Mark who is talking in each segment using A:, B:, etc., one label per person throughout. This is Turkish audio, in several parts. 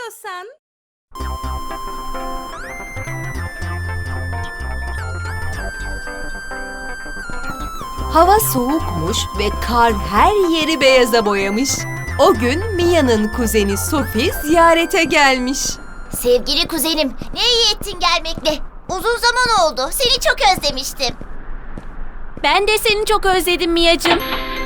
A: istiyorsan. Hava soğukmuş ve kar her yeri beyaza boyamış. O gün Mia'nın kuzeni Sophie ziyarete gelmiş.
B: Sevgili kuzenim, ne iyi ettin gelmekle. Uzun zaman oldu. Seni çok özlemiştim.
C: Ben de seni çok özledim Mia'cığım.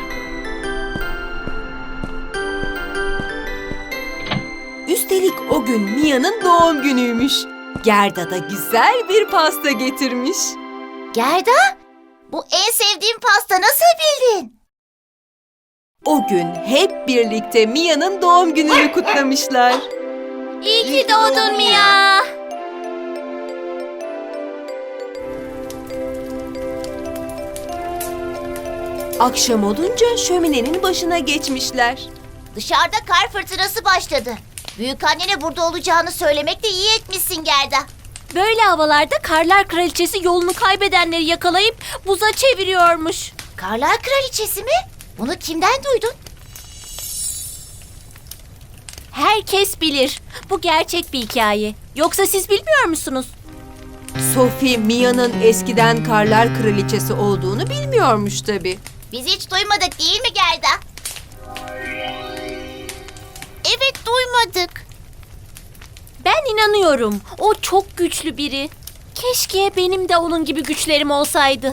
A: Üstelik o gün Mia'nın doğum günüymüş. Gerda da güzel bir pasta getirmiş.
B: Gerda, bu en sevdiğim pasta, nasıl bildin?
A: O gün hep birlikte Mia'nın doğum gününü kutlamışlar.
C: İyi ki doğdun Mia.
A: Akşam olunca şöminenin başına geçmişler.
B: Dışarıda kar fırtınası başladı. Büyükannene burada olacağını söylemekle iyi etmişsin Gerda.
C: Böyle havalarda Karlar Kraliçesi yolunu kaybedenleri yakalayıp buza çeviriyormuş.
B: Karlar Kraliçesi mi? Bunu kimden duydun?
C: Herkes bilir. Bu gerçek bir hikaye. Yoksa siz bilmiyor musunuz?
A: Sophie, Mia'nın eskiden Karlar Kraliçesi olduğunu bilmiyormuş tabii.
B: Biz hiç duymadık değil mi Gerda? Evet, duymadık.
C: Ben inanıyorum. O çok güçlü biri. Keşke benim de onun gibi güçlerim olsaydı.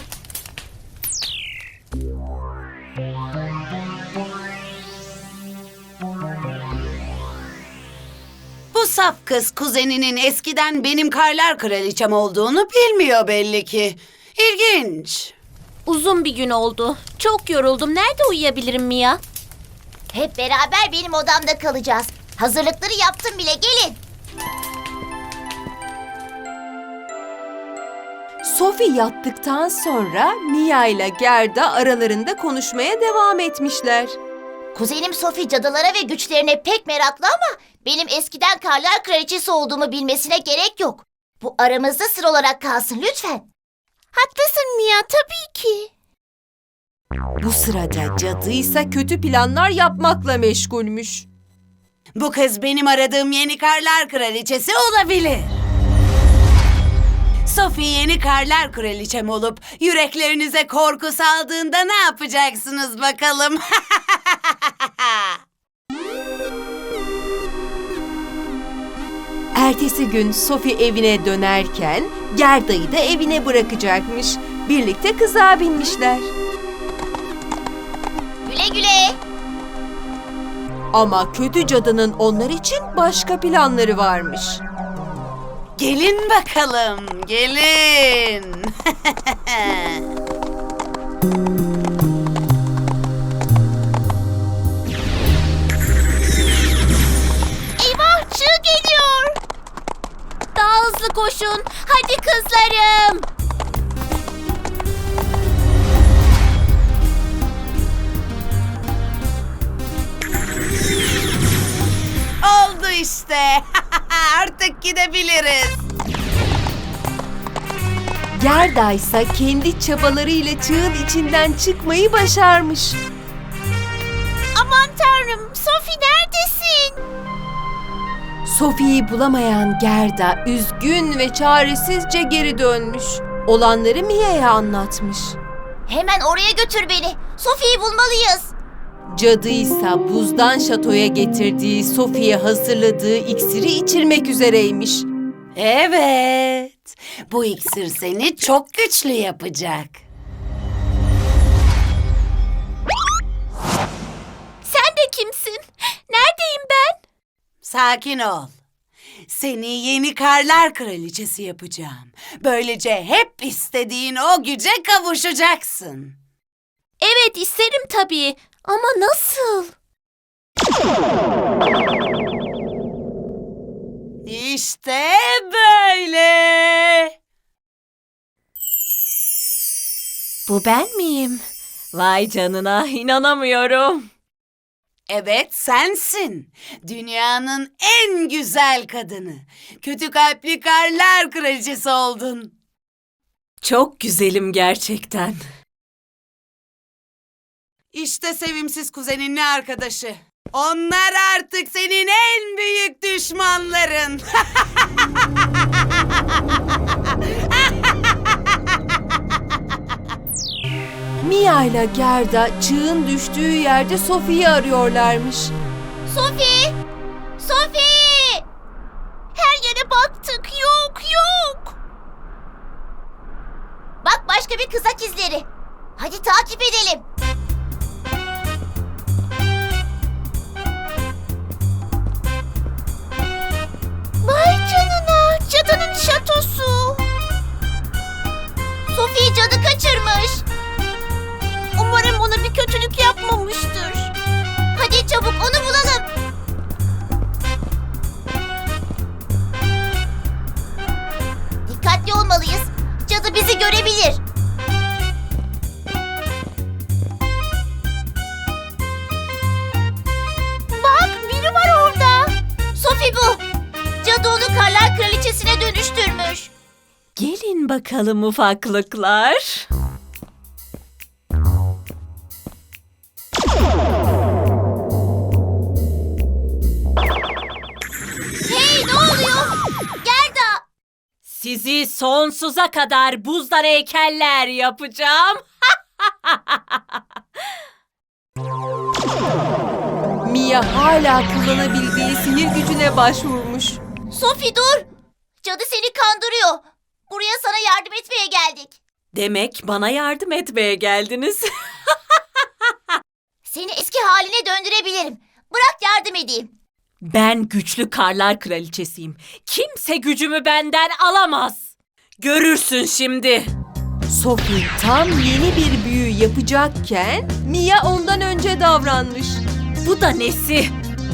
D: Bu saf kız kuzeninin eskiden benim Karlar Kraliçem olduğunu bilmiyor belli ki. İlginç.
C: Uzun bir gün oldu. Çok yoruldum. Nerede uyuyabilirim Mia?
B: Hep beraber benim odamda kalacağız. Hazırlıkları yaptım bile, gelin.
A: Sophie yattıktan sonra Mia ile Gerda aralarında konuşmaya devam etmişler.
B: Kuzenim Sophie cadılara ve güçlerine pek meraklı ama benim eskiden Karlar Kraliçesi olduğumu bilmesine gerek yok. Bu aramızda sır olarak kalsın lütfen. Haklısın Mia, tabii ki.
A: Bu sırada cadıysa kötü planlar yapmakla meşgulmüş.
D: Bu kız benim aradığım yeni Karlar Kraliçesi olabilir. Sophie yeni Karlar Kraliçem olup yüreklerinize korku saldığında ne yapacaksınız bakalım?
A: Ertesi gün Sophie evine dönerken Gerda'yı da evine bırakacakmış. Birlikte kızağa binmişler.
B: Güle güle.
A: Ama kötü cadının onlar için başka planları varmış.
D: Gelin bakalım, gelin.
B: Eyvah, çığ geliyor.
C: Daha hızlı koşun. Hadi kızlarım.
D: Oldu işte. Artık gidebiliriz.
A: Gerda ise kendi çabalarıyla çığın içinden çıkmayı başarmış.
B: Aman tanrım, Sophie neredesin?
A: Sophie'yi bulamayan Gerda üzgün ve çaresizce geri dönmüş. Olanları Mia'ya anlatmış.
B: Hemen oraya götür beni. Sophie'yi bulmalıyız.
A: Cadı ise buzdan şatoya getirdiği Sophie'ye hazırladığı iksiri içirmek üzereymiş.
D: Evet, bu iksir seni çok güçlü yapacak.
C: Sen de kimsin? Neredeyim ben?
D: Sakin ol. Seni yeni Karlar Kraliçesi yapacağım. Böylece hep istediğin o güce kavuşacaksın.
C: Evet, isterim tabii. Ama nasıl?
D: İşte böyle.
C: Bu ben miyim? Vay canına, inanamıyorum.
D: Evet, sensin. Dünyanın en güzel kadını. Kötü kalpli Karlar Kraliçesi oldun.
A: Çok güzelim gerçekten.
D: İşte sevimsiz kuzeninle arkadaşı. Onlar artık senin en büyük düşmanların.
A: Mia ile Gerda çığın düştüğü yerde Sophie'yi arıyorlarmış.
B: Sophie! Sophie! Her yere baktık. Yok, yok. Bak başka bir kızak izleri. Hadi takip edelim. Vay canına, cadının şatosu. Sophie cadı kaçırmış. Umarım ona bir kötülük yapmamıştır. Hadi çabuk onu bulalım. Dikkatli olmalıyız. Cadı bizi görebilir. Bak biri var orada. Sophie bu. Cadı onu Karlar Kraliçesi'ne dönüştürmüş.
C: Gelin bakalım ufaklıklar.
B: Hey ne oluyor? Gerda.
C: Sizi sonsuza kadar buzdan heykeller yapacağım.
A: Mia hala kullanabildiği sihir gücüne başvurmuş.
B: Sophie dur. Cadı seni kandırıyor. Buraya sana yardım etmeye geldik.
C: Demek bana yardım etmeye geldiniz.
B: Seni eski haline döndürebilirim. Bırak yardım edeyim.
C: Ben güçlü Karlar Kraliçesiyim. Kimse gücümü benden alamaz. Görürsün şimdi.
A: Sophie tam yeni bir büyü yapacakken Mia ondan önce davranmış.
C: Bu da nesi?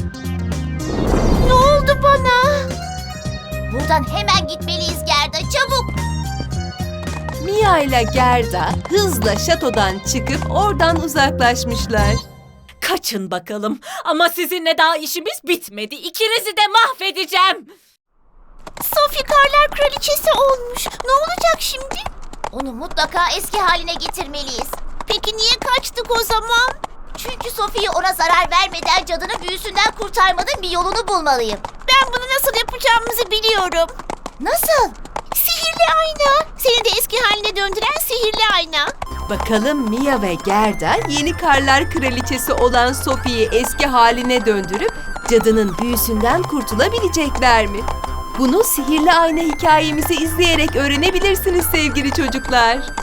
B: Ne oldu bana? Buradan hemen gitmeliyiz Gerda, çabuk.
A: Mia ile Gerda hızla şatodan çıkıp oradan uzaklaşmışlar.
C: Kaçın bakalım. Ama sizinle daha işimiz bitmedi. İkinizi de mahvedeceğim.
B: Sophie Karlar Kraliçesi olmuş. Ne olacak şimdi? Onu mutlaka eski haline getirmeliyiz. Peki niye kaçtık o zaman? Çünkü Sophie'yi ona zarar vermeden cadının büyüsünden kurtarmanın bir yolunu bulmalıyım. Ben bunu nasıl yapacağımızı biliyorum. Nasıl? Sihirli ayna. Seni de eski haline döndüren sihirli ayna.
A: Bakalım Mia ve Gerda yeni Karlar Kraliçesi olan Sophie'yi eski haline döndürüp cadının büyüsünden kurtulabilecekler mi? Bunu sihirli ayna hikayemizi izleyerek öğrenebilirsiniz sevgili çocuklar.